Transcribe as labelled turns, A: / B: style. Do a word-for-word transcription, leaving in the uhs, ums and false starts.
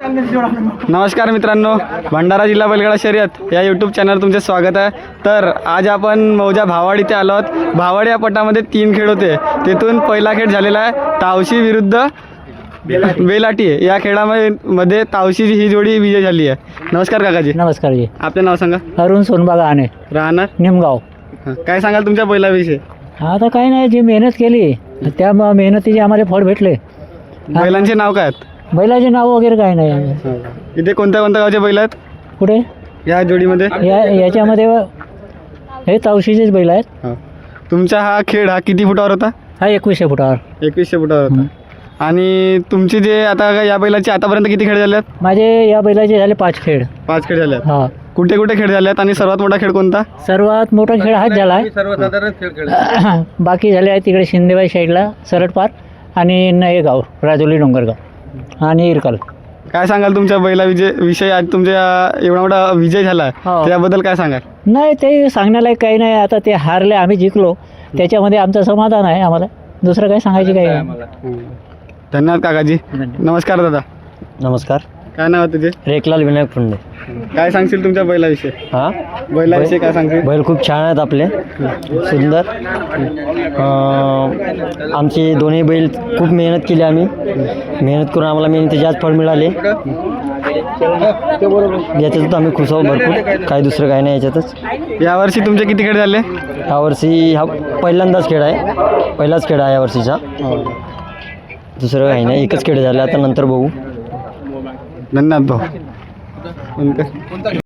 A: नमस्कार मित्रांनो, भंडारा जिल्हा बैलगाडा शर्यत या यूट्यूब चॅनल तुमचे स्वागत आहे। तर आज आपण मौजा भावाड इथे आलो आहोत। भावाड या पटामध्ये तीन खेळ होते, तिथून पहिला खेळ झालेला आहे तावशी विरुद्ध बेलाटी। या खेळामध्ये मध्ये तावशीची ही जोडी विजय झाली आहे। नमस्कार काकाजी।
B: नमस्कार जी।
A: आपले नाव सांगा।
B: अरुण सोनबागा आणे,
A: राहणार
B: निमगाव।
A: काय सांगाल तुमच्या बैलाविषयी?
B: आता काही नाही, जी मेहनत केली त्या म- मेहनतीचे आम्हाला फळ भेटले।
A: बैलांचे नाव काय आहेत?
B: बैलाचे नाव वगैरे काही नाही।
A: इथे कोणत्या कोणत्या गावचे बैल आहेत
B: कुठे
A: या जोडीमध्ये?
B: या याच्यामध्ये हे तावशीचेच बैल आहेत।
A: हा. तुमचा हा खेळ हा किती फुटावर होता?
B: हा एकवीसशे फुटावर।
A: एकवीसशे फुटावर होता। आणि तुमचे जे आता या बैलाचे आतापर्यंत किती खेळ झाले आहेत?
B: माझे या बैलाचे झाले पाच खेळ।
A: पाच खेळ झाले आहेत।
B: हा,
A: कुठे कुठे खेळ झाले आहेत आणि सर्वात मोठा खेळ कोणता?
B: सर्वात मोठा खेळ हाच झाला आहे।
A: सर्वसाधारण खेळ
B: बाकी झाले आहे तिकडे शिंदेबाई साईडला सरटपार आणि नयेगाव, राजोली डोंगरगाव आणि इरकल।
A: काय सांगाल तुमच्या बैला विजय विषय? आज तुमच्या एवढा मोठा विजय झाला
B: हो.
A: त्याबद्दल काय सांगाल?
B: नाही, ते सांगण्यालायक काही नाही। आता ते हारले, आम्ही जिंकलो, त्याच्यामध्ये आमचं समाधान आहे। आम्हाला दुसरं काही सांगायची काही नाही।
A: धन्यवाद काकाजी। नमस्कार दादा।
C: नमस्कार,
A: काय नाव आहे तुझे?
C: रेखलाल विनायक फुंडे।
A: काय सांगशील तुमच्या बैलाविषयी?
C: हां,
A: बैलाविषयी काय सांगशील?
C: बैल खूप छान आहेत आपले, सुंदर। अं, आमचे दोन्ही बैल खूप मेहनत केली आम्ही, मेहनत करून आम्हाला मेहनतीचे आज फळ मिळाले। याच्यातच आम्ही खुश आहोत भरपूर, काही दुसरं काही नाही याच्यातच।
A: यावर्षी तुमचे किती खेळ झाले?
C: यावर्षी हा पहिल्यांदाच खेळ आहे, पहिलाच खेळ आहे यावर्षीचा, दुसरं काही नाही, एकच खेळ झाला। आता नंतर बघू।
A: धन्यवाद भाऊ।